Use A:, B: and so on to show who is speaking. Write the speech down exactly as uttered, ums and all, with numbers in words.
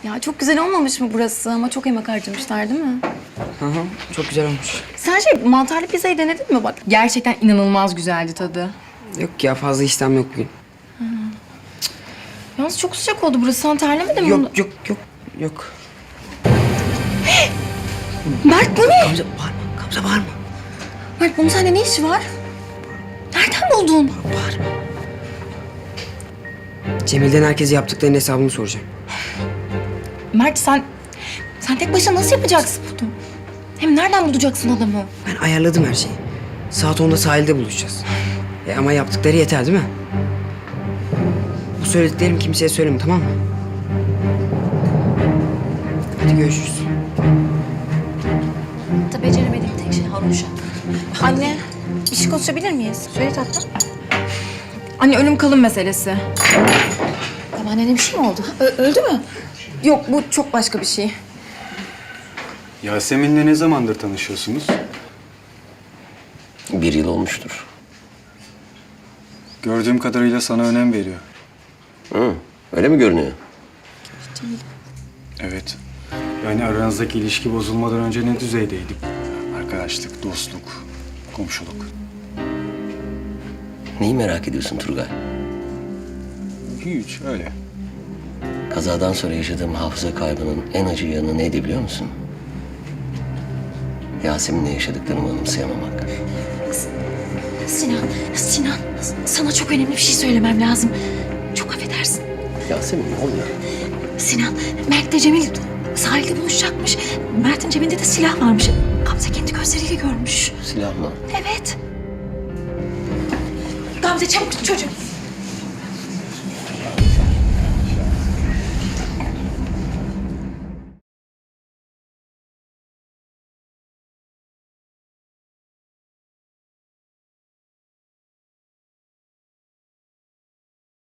A: Ya çok güzel olmamış mı burası? Ama çok emek harcamışlar değil mi?
B: Hı hı, çok güzel olmuş.
A: Sen şey mantarlı pizzayı denedin mi bak?
C: Gerçekten inanılmaz güzeldi tadı.
B: Yok ya, fazla işlem yok bugün.
C: Yalnız çok sıcak oldu burası. Sen terlemedin mi?
B: Yok yok yok yok.
A: Mert bu ne?
B: Gamze bağırma, Gamze bağırma.
A: Mert bunun sende ne işi var? Nereden buldun?
B: Bağırma. Cemil'den herkese yaptıklarının hesabını soracağım.
C: Mert sen... Sen tek başına nasıl yapacaksın bunu? Hem nereden bulacaksın adamı?
B: Ben ayarladım her şeyi. Saat onda sahilde buluşacağız. E ama yaptıkları yeter değil mi? Bu söylediklerimi kimseye söyleme, tamam mı? Hadi görüşürüz.
A: Da beceremediğim tek şey haroşa. Anne, bir şey konuşabilir miyiz? Söyle tatlım.
C: Anne ölüm kalım meselesi.
A: Babaannene bir şey mi oldu? Ö- öldü mü?
C: Yok bu çok başka bir şey.
D: Yasemin'le ne zamandır tanışıyorsunuz?
E: Bir yıl olmuştur.
D: Gördüğüm kadarıyla sana önem veriyor.
E: Hı, öyle mi görünüyor?
D: Evet. Yani aranızdaki ilişki bozulmadan önce ne düzeydeydi? Arkadaşlık, dostluk, komşuluk.
E: Neyi merak ediyorsun Turgay?
D: Hiç öyle.
E: Kazadan sonra yaşadığım hafıza kaybının en acı yanı neydi biliyor musun? Yasemin'le yaşadıklarımı anımsayamamak.
A: Sinan, Sinan. Sana çok önemli bir şey söylemem lazım. Çok affedersin.
E: Yasemin ne oluyor?
A: Sinan, Mert de Cemil sahilde buluşacakmış. Mert'in cebinde de silah varmış. Gamze kendi gözleriyle görmüş.
E: Silah mı?
A: Evet. Gamze çabuk tut çocuğu.